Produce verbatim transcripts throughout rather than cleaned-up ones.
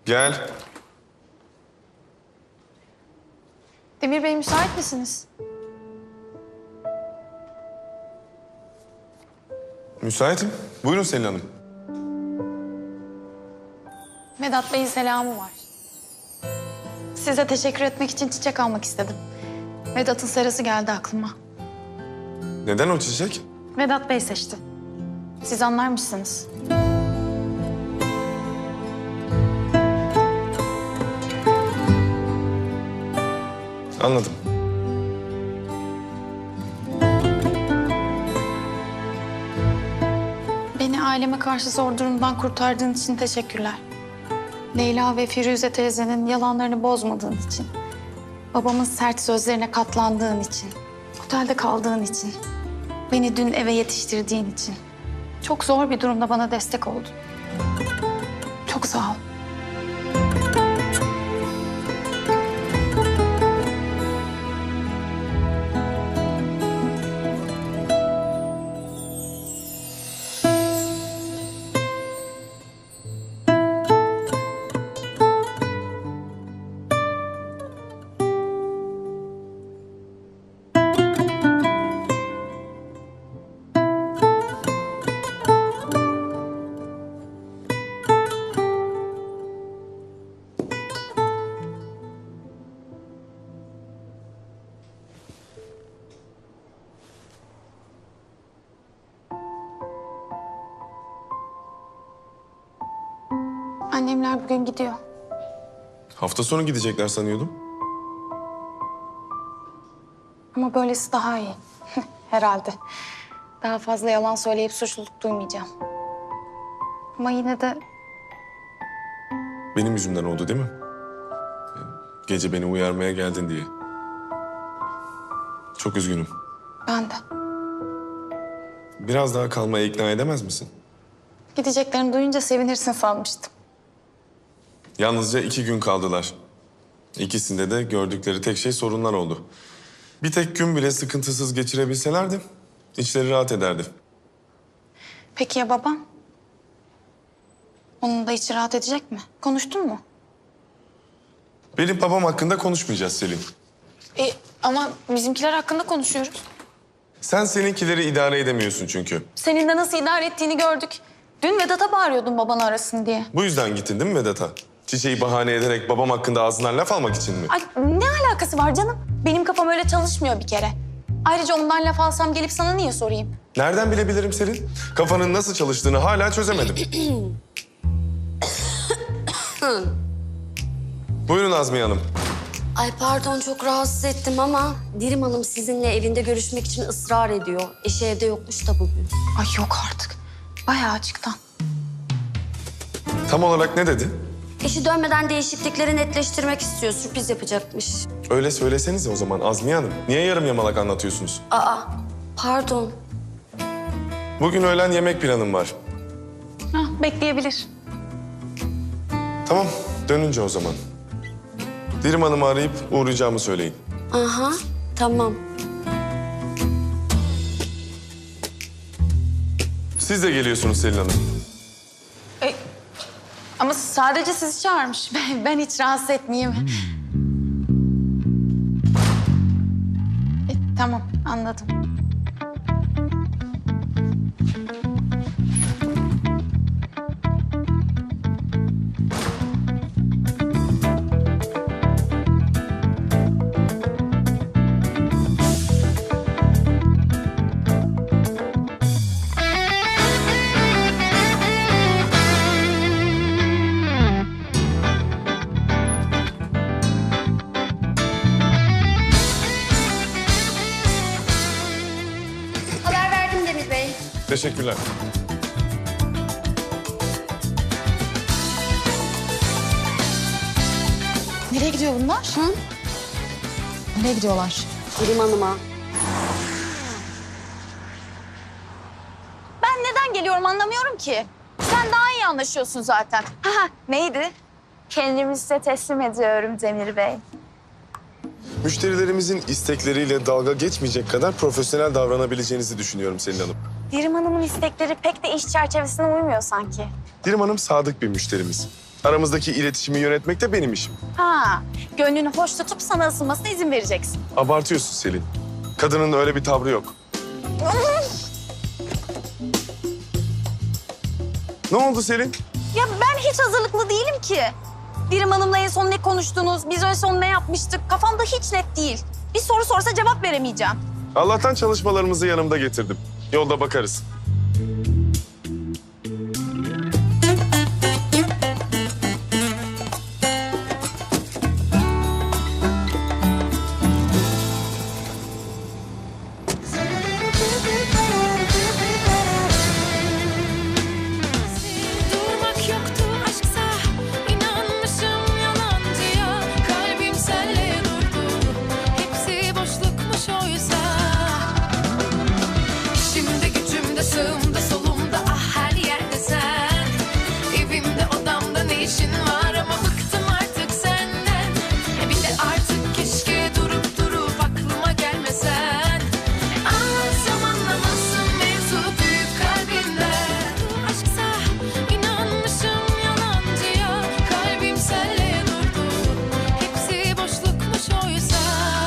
Gel. Demir Bey müsait misiniz? Müsaitim. Buyurun Selin Hanım. Vedat Bey'in selamı var. Size teşekkür etmek için çiçek almak istedim. Vedat'ın serası geldi aklıma. Neden o çiçek? Vedat Bey seçti. Siz anlarmışsınız. Anladım. Beni aileme karşı zor durumdan kurtardığın için teşekkürler. Leyla ve Firuze teyzenin yalanlarını bozmadığın için. Babamın sert sözlerine katlandığın için. Otelde kaldığın için. Beni dün eve yetiştirdiğin için. Çok zor bir durumda bana destek oldun. Çok sağ ol. Annemler bugün gidiyor. Hafta sonu gidecekler sanıyordum. Ama böylesi daha iyi. Herhalde. Daha fazla yalan söyleyip suçluluk duymayacağım. Ama yine de Benim yüzümden oldu değil mi? Gece beni uyarmaya geldin diye. Çok üzgünüm. ben de. Biraz daha kalmaya ikna edemez misin? Gideceklerini duyunca sevinirsin sanmıştım. Yalnızca iki gün kaldılar. İkisinde de gördükleri tek şey sorunlar oldu. Bir tek gün bile sıkıntısız geçirebilselerdi içleri rahat ederdi. Peki ya babam? Onun da içi rahat edecek mi? Konuştun mu? Benim babam hakkında konuşmayacağız Selin. E, ama bizimkiler hakkında konuşuyoruz. Sen seninkileri idare edemiyorsun çünkü. Senin de nasıl idare ettiğini gördük. Dün Vedat'a bağırıyordun babanı arasın diye. Bu yüzden gittin değil mi Vedat'a? Çiçeği bahane ederek babam hakkında ağzından laf almak için mi? Ay ne alakası var canım? Benim kafam öyle çalışmıyor bir kere. Ayrıca ondan laf alsam gelip sana niye sorayım? Nereden bilebilirim Selin? Kafanın nasıl çalıştığını hala çözemedim. Buyurun Azmiye Hanım. Ay pardon çok rahatsız ettim ama Dirim Hanım sizinle evinde görüşmek için ısrar ediyor. Eşi evde yokmuş da bugün. Ay yok artık. Bayağı açıktan. Tam olarak ne dedi? Eşi dönmeden değişiklikleri netleştirmek istiyor. Sürpriz yapacakmış. Öyle söylesenize o zaman Azmiye Hanım. Niye yarım yamalak anlatıyorsunuz? Aa pardon. Bugün öğlen yemek planım var. Hah, bekleyebilir. Tamam, dönünce o zaman. Dirim Hanım'ı arayıp uğrayacağımı söyleyin. Aha tamam. Siz de geliyorsunuz Selin Hanım. E, ama sadece sizi çağırmış. Ben, ben hiç rahatsız etmeyeyim. E, tamam, anladım. Haber verdim Demir Bey. Teşekkürler. Nereye gidiyor bunlar? Hı? Nereye gidiyorlar? Dirim Hanım'a. Ben neden geliyorum anlamıyorum ki. Sen daha iyi anlaşıyorsun zaten. Ha, neydi? Kendimi size teslim ediyorum Demir Bey. Müşterilerimizin istekleriyle dalga geçmeyecek kadar profesyonel davranabileceğinizi düşünüyorum Selin Hanım. Dirim Hanım'ın istekleri pek de iş çerçevesine uymuyor sanki. Dirim Hanım sadık bir müşterimiz. Aramızdaki iletişimi yönetmek de benim işim. Ha, gönlünü hoş tutup sana ısınmasına izin vereceksin. Abartıyorsun Selin. Kadının öyle bir tavrı yok. Ne oldu Selin? Ya ben hiç hazırlıklı değilim ki. Dirim Hanım'la en son ne konuştunuz, biz en son ne yapmıştık kafamda hiç net değil. Bir soru sorsa cevap veremeyeceğim. Allah'tan çalışmalarımızı yanımda getirdim. Yolda bakarız. Durmak yoktu aşksa, inanmışım yalancıya. Kalbim senle durdu, hepsi boşlukmuş oysa. İşimde gücümde sağımda solumda ah her yerde sen. Evimde odamda ne işin var ama bıktım artık senden. E bir de artık keşke durup durup aklıma gelmesen. Anlatsam anlamazsın mevzu büyük kalbinden. Aşksa inanmışım yalancıya. Kalbim senle durdu, hepsi boşlukmuş oysa.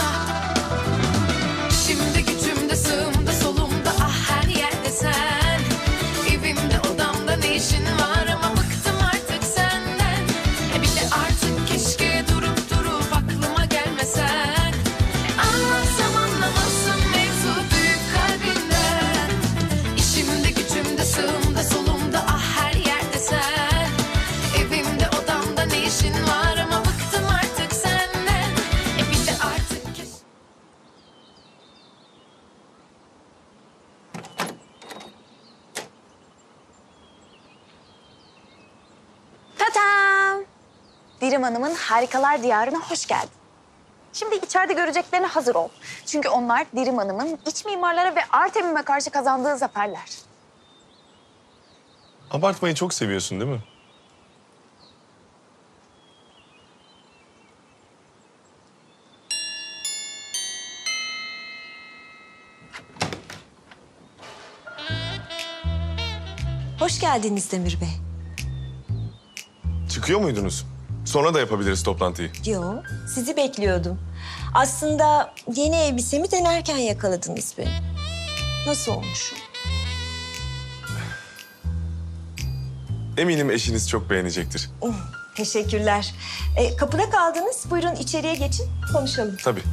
İşimde gücümde sağımda solumda ah her yerde sen. Evimde odamda ne işin var ama bıktım artık senden. E bir de artık keşke durup durup aklıma gelmesen. Anlatsam anlamazsın mevzu büyük kalbinden. İşimde gücümde sağımda solumda ah her yerde sen. Evimde odamda ne işin var ama bıktım artık senden. E bir de artık keşke... Tatam! Dirim Hanım'ın Harikalar Diyarı'na hoş geldin. Şimdi içeride göreceklerine hazır ol. Çünkü onlar Dirim Hanım'ın iç mimarlara ve Artemim'e karşı kazandığı zaferler. Abartmayı çok seviyorsun değil mi? Hoş geldiniz Demir Bey. Çıkıyor muydunuz? Sonra da yapabiliriz toplantıyı. Yo, sizi bekliyordum. Aslında yeni elbisemi denerken yakaladınız beni. Nasıl olmuş? Eminim eşiniz çok beğenecektir. Uh, teşekkürler. E, kapıda kaldınız. Buyurun içeriye geçin, konuşalım. Tabii.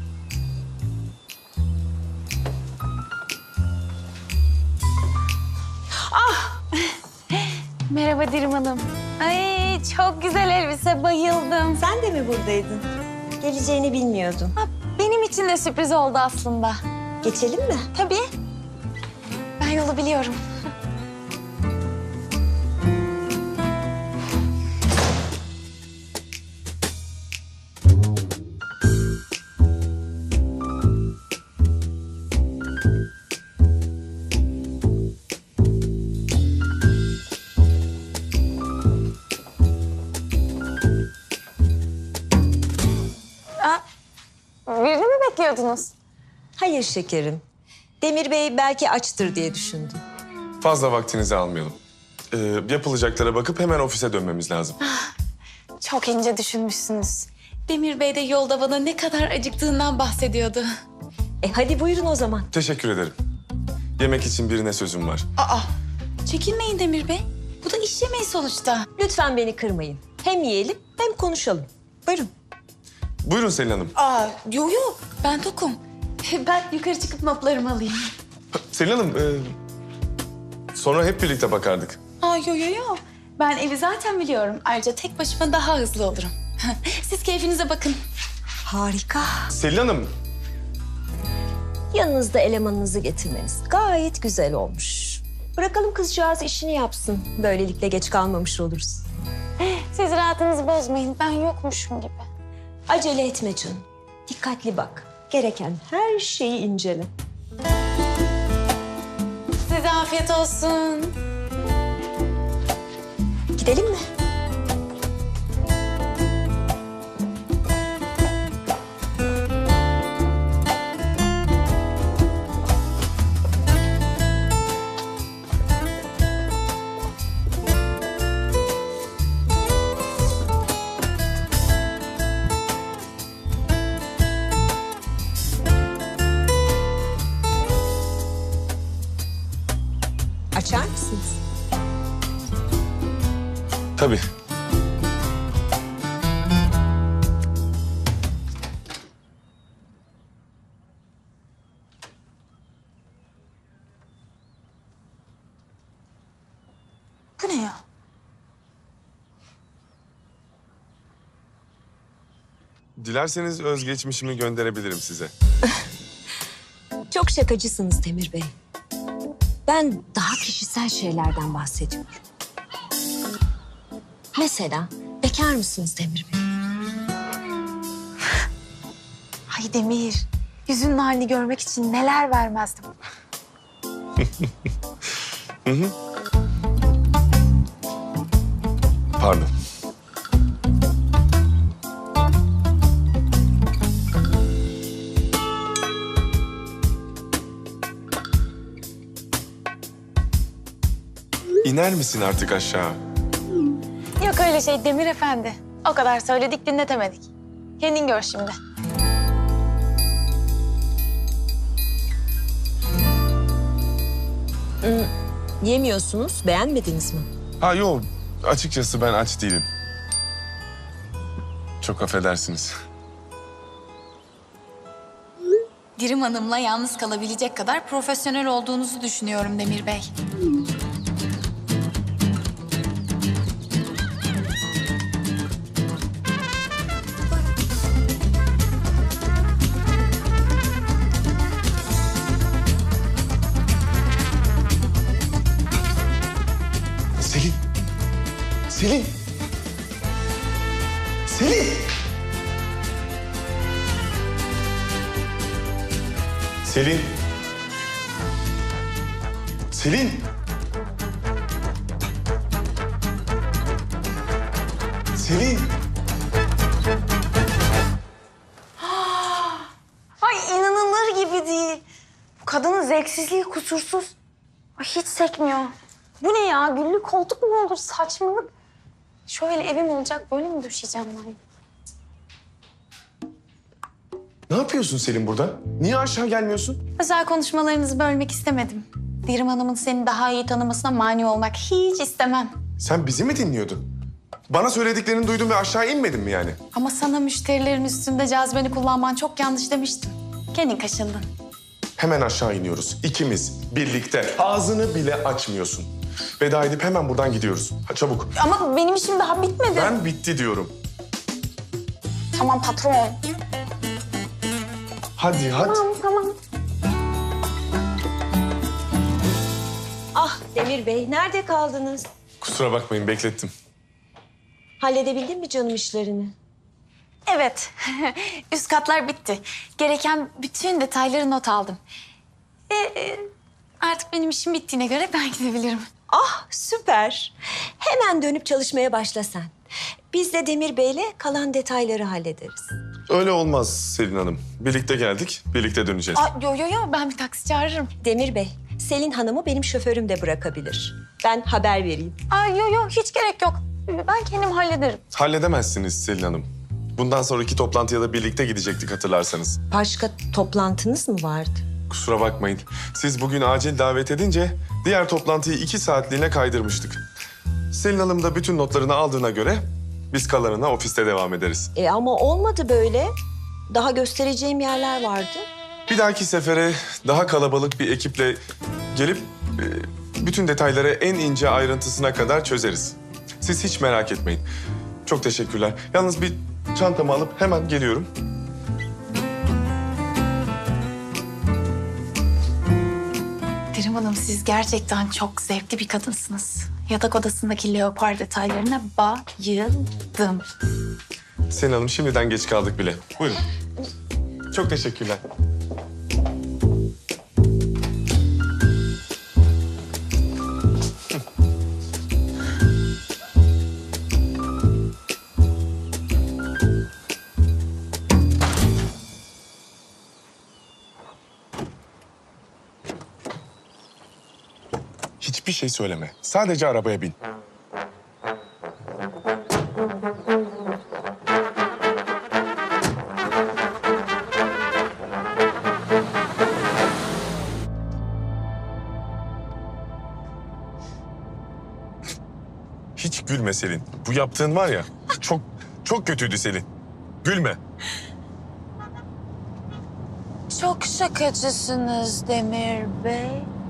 Merhaba Dirim Hanım. Ay çok güzel elbise, bayıldım. Sen de mi buradaydın? Geleceğini bilmiyordum. Ha, benim için de sürpriz oldu aslında. Geçelim mi? Tabii. Ben yolu biliyorum. Aa, birini mi bekliyordunuz? Hayır şekerim. Demir Bey belki açtır diye düşündüm. Fazla vaktinizi almayalım. Ee, yapılacaklara bakıp hemen ofise dönmemiz lazım. Çok ince düşünmüşsünüz. Demir Bey de yolda bana ne kadar acıktığından bahsediyordu. E hadi buyurun o zaman. Teşekkür ederim. Yemek için birine sözüm var. Aa, çekinmeyin Demir Bey. Bu da iş yemeği sonuçta. Lütfen beni kırmayın. Hem yiyelim hem konuşalım. Buyurun. Buyurun Selin Hanım. Aa, yok yok. Ben tokum. Ben yukarı çıkıp notlarımı alayım. Selin Hanım, e, sonra hep birlikte bakardık. Aa, yo yo yo. Ben evi zaten biliyorum. Ayrıca tek başıma daha hızlı olurum. Siz keyfinize bakın. Harika. Selin Hanım, Yanınızda elemanınızı getirmeniz gayet güzel olmuş. Bırakalım kızcağız işini yapsın. Böylelikle geç kalmamış oluruz. Siz rahatınızı bozmayın. Ben yokmuşum gibi. Acele etme canım. Dikkatli bak. Gereken her şeyi incele. Size afiyet olsun. Gidelim mi? Tabii. Bu ne ya? Dilerseniz özgeçmişimi gönderebilirim size. Çok şakacısınız Demir Bey. Ben daha kişisel şeylerden bahsediyorum. Mesela bekar mısınız Demir Bey? Ay Demir, yüzünün halini görmek için neler vermezdim. Pardon. İner misin artık aşağı? Yok öyle şey Demir Efendi. O kadar söyledik dinletemedik. Kendin gör şimdi. Yemiyorsunuz, beğenmediniz mi? Ha yok, açıkçası ben aç değilim. Çok affedersiniz. Dirim Hanım'la yalnız kalabilecek kadar profesyonel olduğunuzu düşünüyorum Demir Bey. Selin! Selin! Selin! Selin! Selin! Selin! Ay inanılır gibi değil. Bu kadının zevksizliği kusursuz. Ay hiç sekmiyor. Bu ne ya? Güllü koltuk mu olur? Saçmalık. Şöyle evim olacak, böyle mi düşeceğim ben? Ne yapıyorsun Selin burada? Niye aşağı gelmiyorsun? Özel konuşmalarınızı bölmek istemedim. Dirim Hanım'ın seni daha iyi tanımasına mani olmak hiç istemem. Sen bizi mi dinliyordun? Bana söylediklerini duydun ve aşağı inmedin mi yani? Ama sana müşterilerin üstünde cazibeni kullanman çok yanlış demiştim. Kendin kaşındın. Hemen aşağı iniyoruz. İkimiz birlikte. Ağzını bile açmıyorsun. Veda edip hemen buradan gidiyoruz. Ha, çabuk. Ama benim işim daha bitmedi. Ben bitti diyorum. Tamam patron. Hadi hadi. Tamam tamam. Ah Demir Bey, nerede kaldınız? Kusura bakmayın beklettim. Halledebildin mi canım işlerini? Evet. Üst katlar bitti. Gereken bütün detayları not aldım. E, e, artık benim işim bittiğine göre ben gidebilirim. Ah süper. Hemen dönüp çalışmaya başla sen. Biz de Demir Bey'le kalan detayları hallederiz. Öyle olmaz Selin Hanım. Birlikte geldik, birlikte döneceğiz. Aa, yo yo yo ben bir taksi çağırırım. Demir Bey, Selin Hanım'ı benim şoförüm de bırakabilir. Ben haber vereyim. Aa, yo yo hiç gerek yok. Ben kendim hallederim. Halledemezsiniz Selin Hanım. Bundan sonraki toplantıya da birlikte gidecektik hatırlarsanız. Başka toplantınız mı vardı? Kusura bakmayın. Siz bugün acil davet edince diğer toplantıyı iki saatliğine kaydırmıştık. Selin Hanım da bütün notlarını aldığına göre biz kalanına ofiste devam ederiz. E ama olmadı böyle. Daha göstereceğim yerler vardı. Bir dahaki sefere daha kalabalık bir ekiple gelip e, bütün detayları en ince ayrıntısına kadar çözeriz. Siz hiç merak etmeyin. Çok teşekkürler. Yalnız bir çantamı alıp hemen geliyorum. Dirim Hanım siz gerçekten çok zevkli bir kadınsınız. Yatak odasındaki leopar detaylarına bayıldım. Selin Hanım şimdiden geç kaldık bile. Buyurun. Çok teşekkürler. Hiçbir şey söyleme. Sadece arabaya bin. Hiç gülme Selin. Bu yaptığın var ya çok çok kötüydü Selin. Gülme. Çok şakacısınız Demir Bey.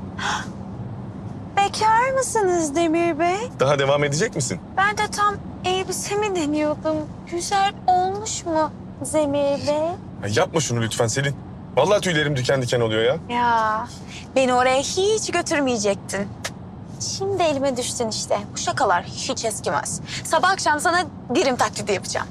Bekar mısınız Demir Bey? Daha devam edecek misin? Ben de tam elbisemi deniyordum. Güzel olmuş mu Demir Bey? Ya yapma şunu lütfen Selin. Vallahi tüylerim diken diken oluyor ya. Ya beni oraya hiç götürmeyecektin. Şimdi elime düştün işte. Bu şakalar hiç eskimez. Sabah akşam sana dirim taklidi yapacağım.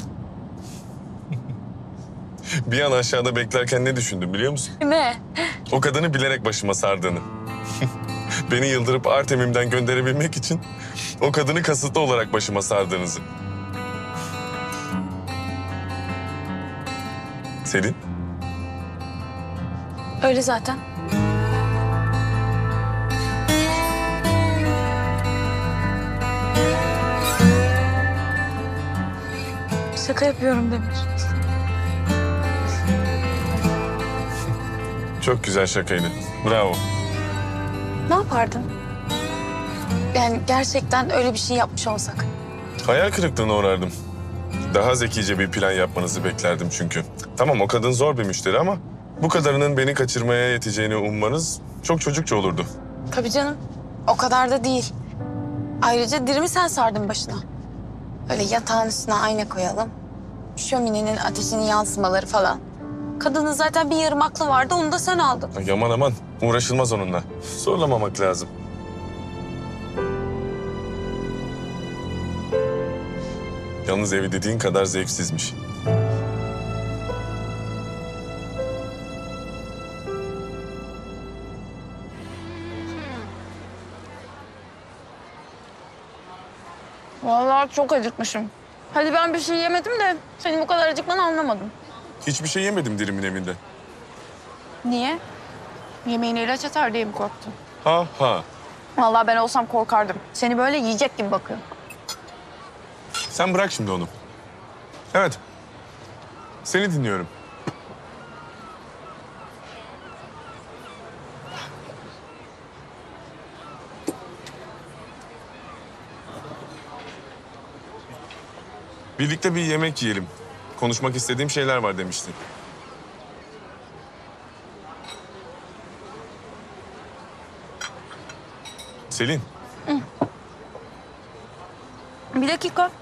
Bir an aşağıda beklerken ne düşündüm biliyor musun? Ne? O kadını bilerek başıma sardığını. Beni yıldırıp Artemim'den gönderebilmek için o kadını kasıtlı olarak başıma sardığınızı. Selin, Öyle zaten. Şaka yapıyorum Demir. çok güzel şakaydı. Bravo. Ne yapardın? Yani gerçekten öyle bir şey yapmış olsak. Hayal kırıklığına uğrardım. Daha zekice bir plan yapmanızı beklerdim çünkü. Tamam o kadın zor bir müşteri ama bu kadarının beni kaçırmaya yeteceğini ummanız çok çocukça olurdu. Tabii canım. O kadar da değil. Ayrıca dirimi sen sardın başına. Öyle yatağın üstüne ayna koyalım. Şöminenin ateşinin yansımaları falan. Kadının zaten bir yarım aklı vardı, onu da sen aldın. Ay aman aman uğraşılmaz onunla. Zorlamamak lazım. Yalnız evi dediğin kadar zevksizmiş. Vallahi çok acıkmışım. Hadi ben bir şey yemedim de senin bu kadar acıkmanı anlamadım. Hiçbir şey yemedim dirimin evinde. Niye? Yemeğine ilaç atar diye mi korktun? Ha ha. Vallahi ben olsam korkardım. Seni böyle yiyecek gibi bakıyor. Sen bırak şimdi onu. Evet. Seni dinliyorum. Birlikte bir yemek yiyelim. Konuşmak istediğim şeyler var demiştin. Selin, Bir dakika.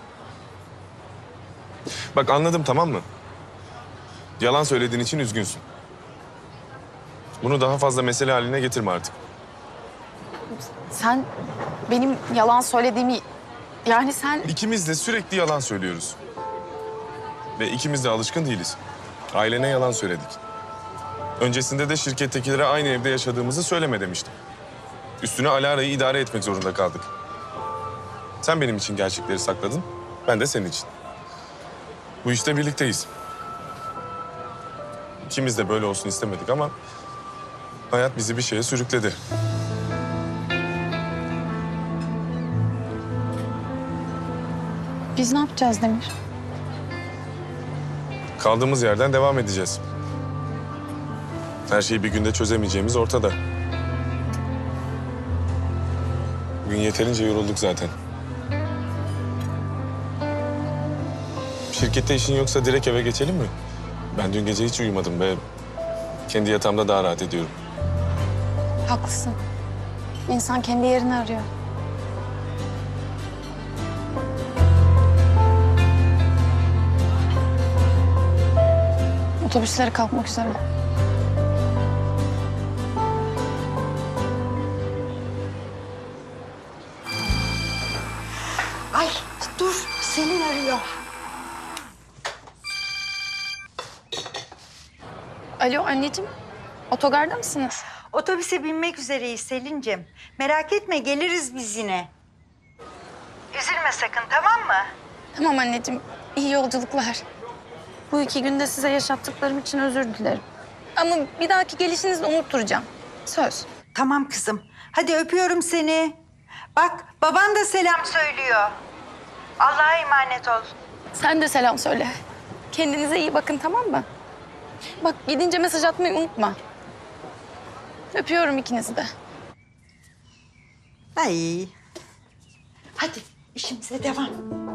bak anladım tamam mı? Yalan söylediğin için üzgünsün. Bunu daha fazla mesele haline getirme artık. Sen benim yalan söylediğimi... Yani sen... İkimiz de sürekli yalan söylüyoruz. Ve ikimiz de alışkın değiliz. Ailene yalan söyledik. Öncesinde de şirkettekilere aynı evde yaşadığımızı söyleme demiştim. Üstüne Alara'yı idare etmek zorunda kaldık. Sen benim için gerçekleri sakladın, ben de senin için. Bu işte birlikteyiz. İkimiz de böyle olsun istemedik ama hayat bizi bir şeye sürükledi. Biz ne yapacağız Demir? Kaldığımız yerden devam edeceğiz. Her şeyi bir günde çözemeyeceğimiz ortada. Bugün yeterince yorulduk zaten. Şirkette işin yoksa direkt eve geçelim mi? Ben dün gece hiç uyumadım ve kendi yatağımda daha rahat ediyorum. Haklısın. İnsan kendi yerini arıyor. Otobüsleri kalkmak üzere. Ay dur, Selin arıyor. Alo anneciğim, otogarda mısınız? Otobüse binmek üzereyiz Selin'cim. Merak etme, geliriz biz yine. Üzülme sakın, tamam mı? Tamam anneciğim, iyi yolculuklar. Bu iki günde size yaşattıklarım için özür dilerim. Ama bir dahaki gelişinizde unutturacağım. Söz. Tamam kızım. Hadi öpüyorum seni. Bak, baban da selam söylüyor. Allah'a emanet ol. Sen de selam söyle. Kendinize iyi bakın, tamam mı? Bak gidince mesaj atmayı unutma. Öpüyorum ikinizi de. Ay. Hadi İşimize devam.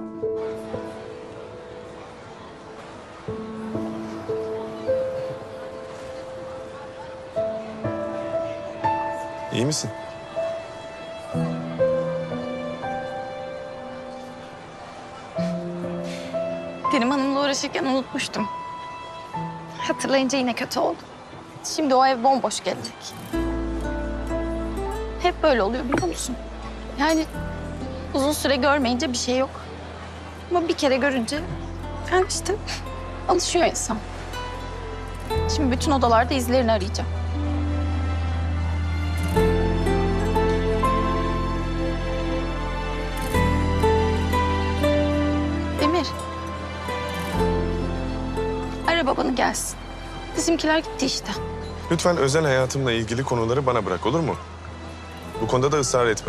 İyi misin? Dirim Hanım'la uğraşırken unutmuştum. Hatırlayınca yine kötü oldu. Şimdi o ev bomboş gelecek. Hep böyle oluyor biliyor musun? Yani uzun süre görmeyince bir şey yok. Ama bir kere görünce yani işte alışıyor insan. Şimdi bütün odalarda izlerini arayacağım. Demir. Ara babanı gelsin. Bizimkiler gitti işte. Lütfen özel hayatımla ilgili konuları bana bırak, olur mu? Bu konuda da ısrar etme.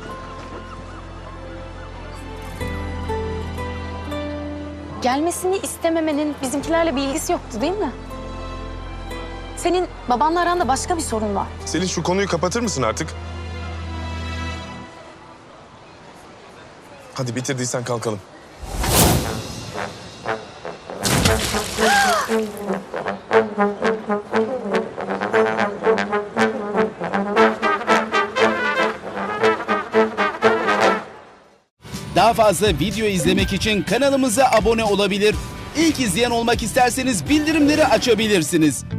Gelmesini istememenin bizimkilerle bir ilgisi yoktu değil mi? Senin babanla aranda başka bir sorun var. Selin, şu konuyu kapatır mısın artık? Hadi bitirdiysen kalkalım. Daha fazla video izlemek için kanalımıza abone olabilir. İlk izleyen olmak isterseniz bildirimleri açabilirsiniz.